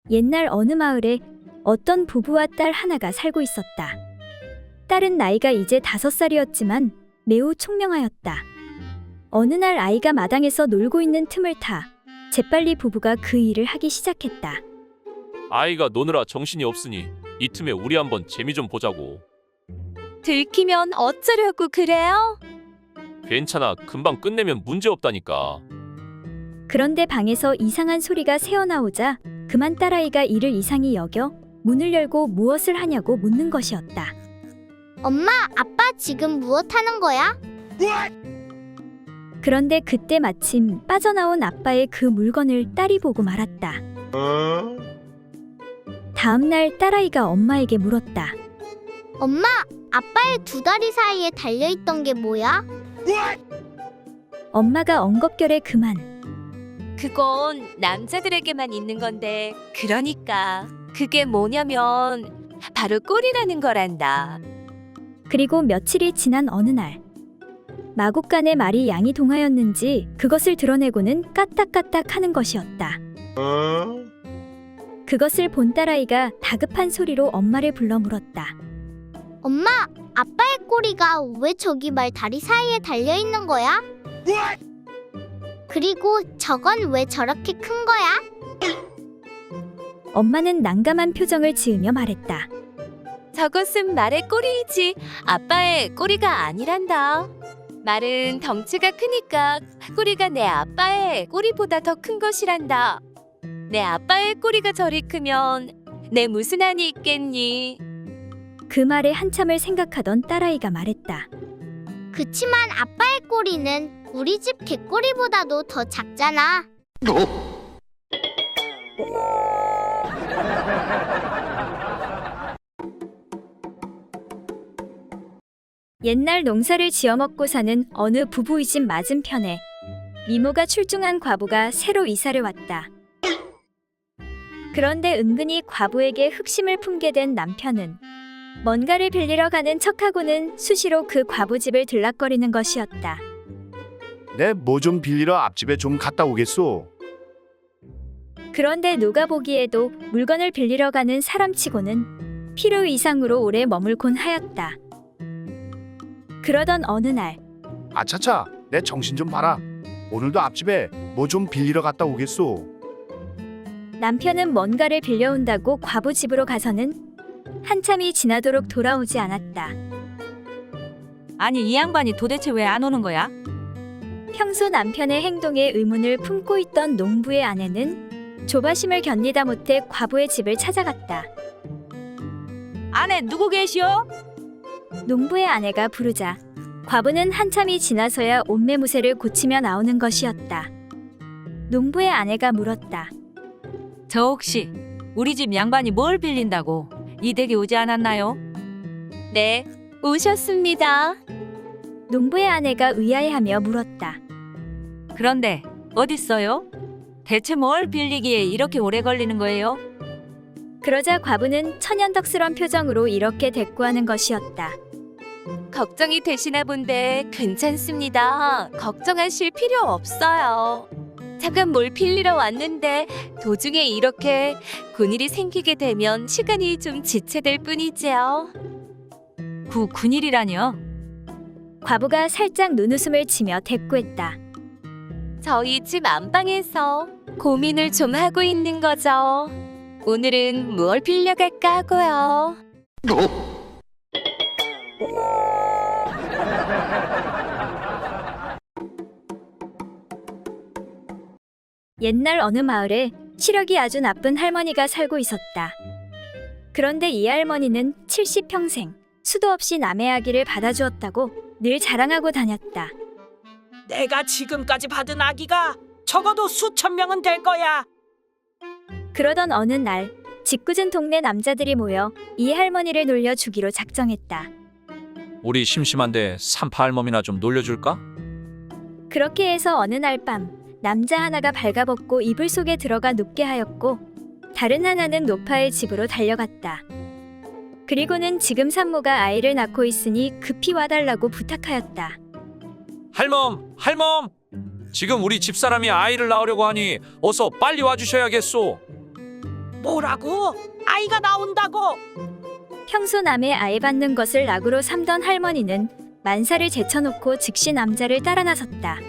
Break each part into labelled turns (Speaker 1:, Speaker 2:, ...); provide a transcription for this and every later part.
Speaker 1: 옛날 어느 마을에 어떤 부부와 딸 하나가 살고 있었다. 딸은 나이가 이제 5살이었지만 매우 총명하였다. 어느 날 아이가 마당에서 놀고 있는 틈을 타 재빨리 부부가 그 일을 하기 시작했다.
Speaker 2: 아이가 노느라 정신이 없으니 이 틈에 우리 한번 재미 좀 보자고.
Speaker 3: 들키면 어쩌려고 그래요?
Speaker 2: 괜찮아, 금방 끝내면 문제 없다니까.
Speaker 1: 그런데 방에서 이상한 소리가 새어나오자 그만 딸아이가 이를 이상히 여겨 문을 열고 무엇을 하냐고 묻는 것이었다.
Speaker 4: 엄마, 아빠 지금 무엇 하는 거야?
Speaker 1: 그런데 그때 마침 빠져나온 아빠의 그 물건을 딸이 보고 말았다. 다음 날 딸아이가 엄마에게 물었다.
Speaker 4: 엄마, 아빠의 두 다리 사이에 달려있던 게 뭐야?
Speaker 1: 엄마가 엉겁결에 그만.
Speaker 3: 그건 남자들에게만 있는 건데, 그러니까 그게 뭐냐면 바로 꼴이라는 거란다.
Speaker 1: 그리고 며칠이 지난 어느 날 마곡간의 말이 양이 동하였는지 그것을 드러내고는 까딱까딱 하는 것이었다. 그것을 본 딸아이가 다급한 소리로 엄마를 불러 물었다.
Speaker 4: 엄마, 아빠의 꼬리가 왜 저기 말 다리 사이에 달려있는 거야? 그리고 저건 왜 저렇게 큰 거야?
Speaker 1: 엄마는 난감한 표정을 지으며 말했다.
Speaker 3: 저것은 말의 꼬리이지 아빠의 꼬리가 아니란다. 말은 덩치가 크니까 꼬리가 내 아빠의 꼬리보다 더 큰 것이란다. 내 아빠의 꼬리가 저리 크면 내 무슨 한이 있겠니?
Speaker 1: 그 말에 한참을 생각하던 딸아이가 말했다.
Speaker 4: 그치만 아빠의 꼬리는 우리 집 개꼬리보다도 더 작잖아.
Speaker 1: 옛날 농사를 지어먹고 사는 어느 부부의 집 맞은편에 미모가 출중한 과부가 새로 이사를 왔다. 그런데 은근히 과부에게 흑심을 품게 된 남편은 뭔가를 빌리러 가는 척하고는 수시로 그 과부 집을 들락거리는 것이었다.
Speaker 5: 내 뭐 좀 빌리러 앞집에 좀 갔다 오겠소.
Speaker 1: 그런데 누가 보기에도 물건을 빌리러 가는 사람치고는 필요 이상으로 오래 머물곤 하였다. 그러던 어느 날
Speaker 5: 아차차, 내 정신 좀 봐라. 오늘도 앞집에 뭐 좀 빌리러 갔다 오겠소.
Speaker 1: 남편은 뭔가를 빌려온다고 과부 집으로 가서는 한참이 지나도록 돌아오지 않았다.
Speaker 6: 아니 이 양반이 도대체 왜 안 오는 거야?
Speaker 1: 평소 남편의 행동에 의문을 품고 있던 농부의 아내는 조바심을 견디다 못해 과부의 집을 찾아갔다.
Speaker 6: 안에 누구 계시오?
Speaker 1: 농부의 아내가 부르자 과부는 한참이 지나서야 옷매무새를 고치며 나오는 것이었다. 농부의 아내가 물었다.
Speaker 6: 저 혹시 우리 집 양반이 뭘 빌린다고 이 댁에 오지 않았나요?
Speaker 3: 네, 오셨습니다.
Speaker 1: 농부의 아내가 의아해하며 물었다.
Speaker 6: 그런데 어딨어요? 대체 뭘 빌리기에 이렇게 오래 걸리는 거예요?
Speaker 1: 그러자 과부는 천연덕스런 표정으로 이렇게 대꾸하는 것이었다.
Speaker 3: 걱정이 되시나 본데 괜찮습니다. 걱정하실 필요 없어요. 잠깐 뭘 빌리러 왔는데 도중에 이렇게 군일이 생기게 되면 시간이 좀 지체될 뿐이지요.
Speaker 6: 군일이라니요?
Speaker 1: 과부가 살짝 눈웃음을 치며 대꾸했다.
Speaker 3: 저희 집 안방에서 고민을 좀 하고 있는 거죠. 오늘은 무얼 빌려갈까 하고요.
Speaker 1: 옛날 어느 마을에 시력이 아주 나쁜 할머니가 살고 있었다. 그런데 이 할머니는 70평생 수도 없이 남의 아기를 받아주었다고 늘 자랑하고 다녔다.
Speaker 7: 내가 지금까지 받은 아기가 적어도 수천 명은 될 거야.
Speaker 1: 그러던 어느 날 짓궂은 동네 남자들이 모여 이 할머니를 놀려 주기로 작정했다.
Speaker 2: 우리 심심한데 산파 할멈이나 좀 놀려줄까?
Speaker 1: 그렇게 해서 어느 날 밤 남자 하나가 발가벗고 이불 속에 들어가 눕게 하였고 다른 하나는 노파의 집으로 달려갔다. 그리고는 지금 산모가 아이를 낳고 있으니 급히 와달라고 부탁하였다.
Speaker 2: 할멈, 할멈! 지금 우리 집사람이 아이를 낳으려고 하니 어서 빨리 와주셔야겠소.
Speaker 7: 뭐라고? 아이가 나온다고?
Speaker 1: 평소 남의 아이 받는 것을 낙으로 삼던 할머니는 만사를 제쳐놓고 즉시 남자를 따라 나섰다.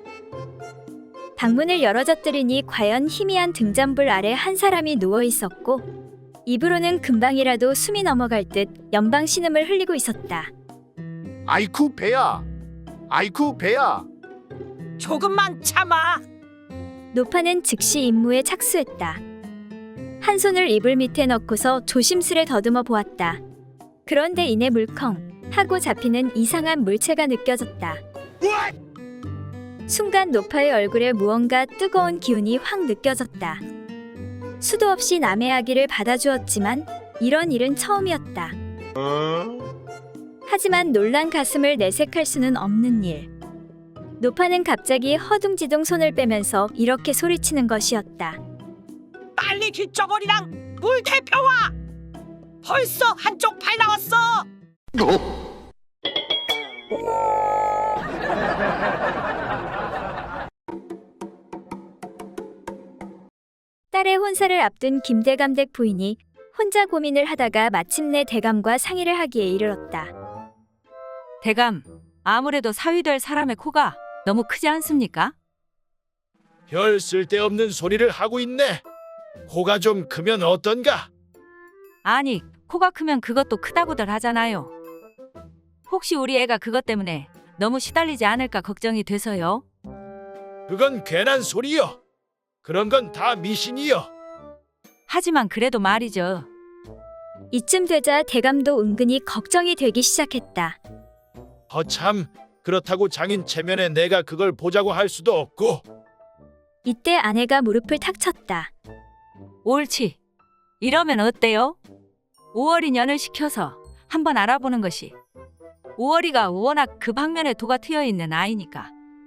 Speaker 1: 방문을 열어젖들이니 과연 희미한 등잔불 아래 한 사람이 누워 있었고 입으로는 금방이라도 숨이 넘어갈 듯 연방 신음을 흘리고 있었다.
Speaker 5: 아이쿠 배야. 아이쿠 배야.
Speaker 7: 조금만 참아.
Speaker 1: 노파는 즉시 임무에 착수했다. 한 손을 이불 밑에 넣고서 조심스레 더듬어 보았다. 그런데 이내 물컹 하고 잡히는 이상한 물체가 느껴졌다. 순간 노파의 얼굴에 무언가 뜨거운 기운이 확 느껴졌다. 수도 없이 남의 아기를 받아주었지만 이런 일은 처음이었다. 하지만 놀란 가슴을 내색할 수는 없는 일. 노파는 갑자기 허둥지둥 손을 빼면서 이렇게 소리치는 것이었다.
Speaker 7: 빨리 귓저고리랑 물 대표와. 벌써 한쪽 팔 나왔어.
Speaker 1: 딸의 혼사를 앞둔 김대감댁 부인이 혼자 고민을 하다가 마침내 대감과 상의를 하기에 이르렀다.
Speaker 6: 대감, 아무래도 사위될 사람의 코가 너무 크지 않습니까?
Speaker 8: 별 쓸데없는 소리를 하고 있네. 코가 좀 크면 어떤가?
Speaker 6: 아니, 코가 크면 그것도 크다고들 하잖아요. 혹시 우리 애가 그것 때문에 너무 시달리지 않을까 걱정이 돼서요.
Speaker 8: 그건 괜한 소리여. 그런 건 다 미신이여.
Speaker 6: 하지만 그래도 말이죠.
Speaker 1: 이쯤 되자 대감도 은근히 걱정이 되기 시작했다.
Speaker 8: 허참, 그렇다고 장인 체면에 내가 그걸 보자고 할 수도 없고.
Speaker 1: 이때 아내가 무릎을 탁 쳤다.
Speaker 6: 옳지. 이러면 어때요? 5월이 년을 시켜서 한번 알아보는 것이. 5월이가 워낙 그 방면에 도가 트여 있는 아이니까.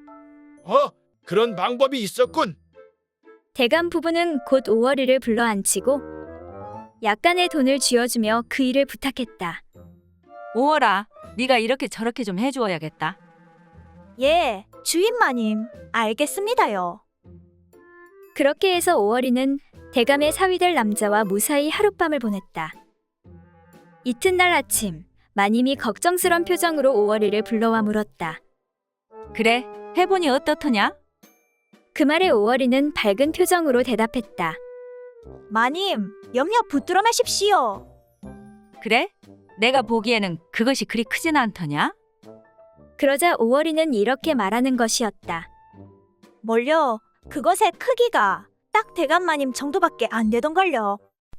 Speaker 8: 그런 방법이 있었군.
Speaker 1: 대감 부부는 곧 5월이를 불러앉히고 약간의 돈을 쥐어주며 그 일을 부탁했다.
Speaker 6: 5월아, 네가 이렇게 저렇게 좀 해주어야겠다.
Speaker 9: 예, 주인마님, 알겠습니다요.
Speaker 1: 그렇게 해서 5월이는 대감의 사위될 남자와 무사히 하룻밤을 보냈다. 이튿날 아침 마님이 걱정스런 표정으로 5월이를 불러와 물었다.
Speaker 6: 그래, 해보니 어떻더냐?
Speaker 1: 그 말에 5월이는 밝은 표정으로 대답했다.
Speaker 9: 마님, 염려 붙들어 마십시오.
Speaker 6: 그래? 내가 보기에는 그것이 그리 크진 않더냐?
Speaker 1: 그러자 5월이는 이렇게 말하는 것이었다.
Speaker 9: 뭘요? 그것의 크기가 딱 대감마님 정도밖에 안 되던걸요.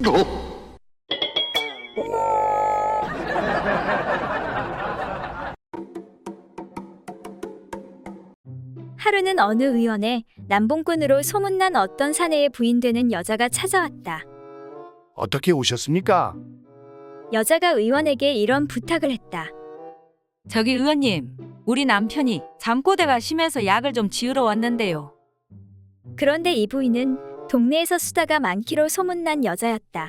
Speaker 1: 하루는 어느 의원에 남봉꾼으로 소문난 어떤 사내의 부인되는 여자가 찾아왔다.
Speaker 5: 어떻게 오셨습니까?
Speaker 1: 여자가 의원에게 이런 부탁을 했다.
Speaker 6: 저기 의원님, 우리 남편이 잠꼬대가 심해서 약을 좀 지으러 왔는데요.
Speaker 1: 그런데 이 부인은 동네에서 수다가 많기로 소문난 여자였다.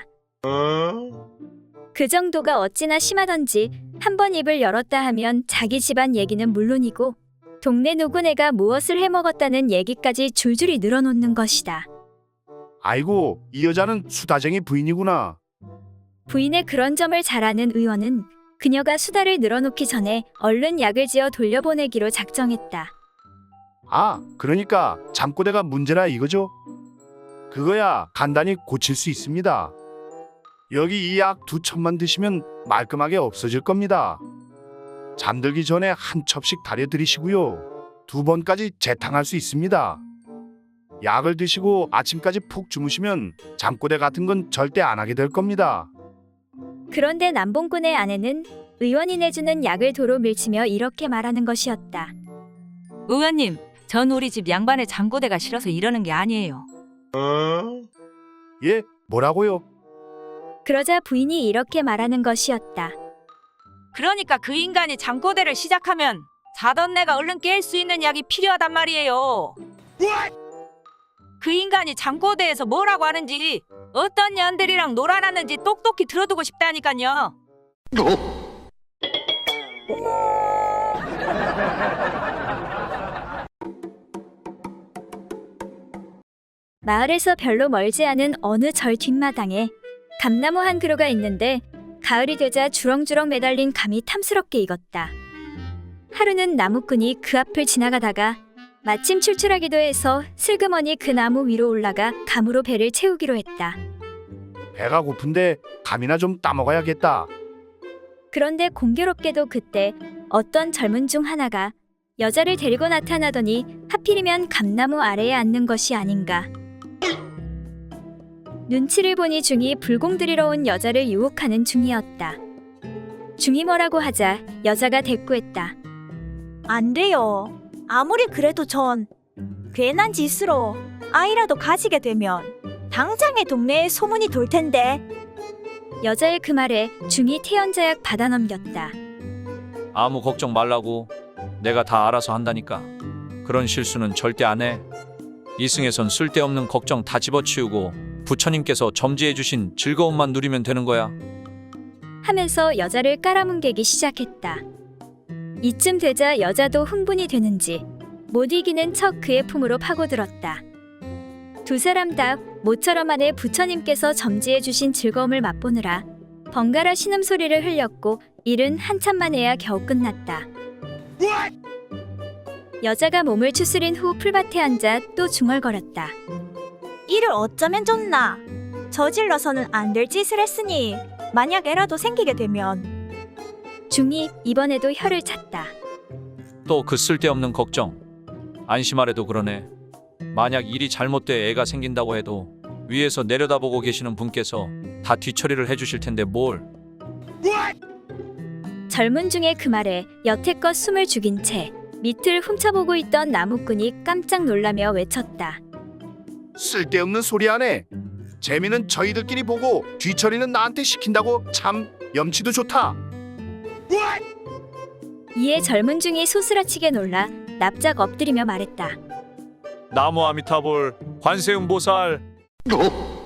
Speaker 1: 그 정도가 어찌나 심하던지 한 번 입을 열었다 하면 자기 집안 얘기는 물론이고 동네 누구네가 무엇을 해먹었다는 얘기까지 줄줄이 늘어놓는 것이다.
Speaker 5: 아이고, 이 여자는 수다쟁이 부인이구나.
Speaker 1: 부인의 그런 점을 잘 아는 의원은 그녀가 수다를 늘어놓기 전에 얼른 약을 지어 돌려보내기로 작정했다.
Speaker 5: 아, 그러니까 잠꼬대가 문제라 이거죠? 그거야 간단히 고칠 수 있습니다. 여기 이 약 2첩만 드시면 말끔하게 없어질 겁니다. 잠들기 전에 한 첩씩 다려드리시고요. 2번까지 재탕할 수 있습니다. 약을 드시고 아침까지 푹 주무시면 잠꼬대 같은 건 절대 안 하게 될 겁니다.
Speaker 1: 그런데 남봉꾼의 아내는 의원이 내주는 약을 도로 밀치며 이렇게 말하는 것이었다.
Speaker 6: 의원님, 전 우리 집 양반의 잠꼬대가 싫어서 이러는 게 아니에요.
Speaker 5: 예? 뭐라고요?
Speaker 1: 그러자 부인이 이렇게 말하는 것이었다.
Speaker 6: 그러니까 그 인간이 잠꼬대를 시작하면 자던 내가 얼른 깰 수 있는 약이 필요하단 말이에요. 그 인간이 잠꼬대에서 뭐라고 하는지 어떤 년들이랑 놀아놨는지 똑똑히 들어두고 싶다니까요.
Speaker 1: 마을에서 별로 멀지 않은 어느 절 뒷마당에 감나무 한 그루가 있는데 가을이 되자 주렁주렁 매달린 감이 탐스럽게 익었다. 하루는 나무꾼이 그 앞을 지나가다가 마침 출출하기도 해서 슬그머니 그 나무 위로 올라가 감으로 배를 채우기로 했다.
Speaker 5: 배가 고픈데 감이나 좀 따먹어야겠다.
Speaker 1: 그런데 공교롭게도 그때 어떤 젊은 중 하나가 여자를 데리고 나타나더니 하필이면 감나무 아래에 앉는 것이 아닌가. 눈치를 보니 중이 불공 들이러 온 여자를 유혹하는 중이었다. 중이 뭐라고 하자 여자가 대꾸했다.
Speaker 9: 안 돼요. 아무리 그래도 전 괜한 짓으로 아이라도 가지게 되면 당장에 동네에 소문이 돌 텐데.
Speaker 1: 여자의 그 말에 중이 태연자약 받아 넘겼다.
Speaker 2: 아무 걱정 말라고. 내가 다 알아서 한다니까. 그런 실수는 절대 안 해. 이승에선 쓸데없는 걱정 다 집어치우고 부처님께서 점지해 주신 즐거움만 누리면 되는 거야.
Speaker 1: 하면서 여자를 깔아뭉개기 시작했다. 이쯤 되자 여자도 흥분이 되는지 못 이기는 척 그의 품으로 파고들었다. 두 사람 다 모처럼 안에 부처님께서 점지해 주신 즐거움을 맛보느라 번갈아 신음소리를 흘렸고 일은 한참 만에야 겨우 끝났다. 여자가 몸을 추스린 후 풀밭에 앉아 또 중얼거렸다.
Speaker 9: 이를 어쩌면 좋나. 저질러서는 안 될 짓을 했으니 만약 애라도 생기게 되면.
Speaker 1: 중이 이번에도 혀를 찼다.
Speaker 2: 또 그 쓸데없는 걱정. 안심하래도 그러네. 만약 일이 잘못돼 애가 생긴다고 해도 위에서 내려다보고 계시는 분께서 다 뒤처리를 해주실 텐데 뭘.
Speaker 1: 젊은 중의 그 말에 여태껏 숨을 죽인 채 밑을 훔쳐보고 있던 나무꾼이 깜짝 놀라며 외쳤다.
Speaker 5: 쓸데없는 소리 하네. 재미는 저희들끼리 보고 뒤처리는 나한테 시킨다고 참 염치도 좋다.
Speaker 1: 이에 젊은 중이 소스라치게 놀라 납작 엎드리며 말했다.
Speaker 2: 나무 아미타불 관세음보살.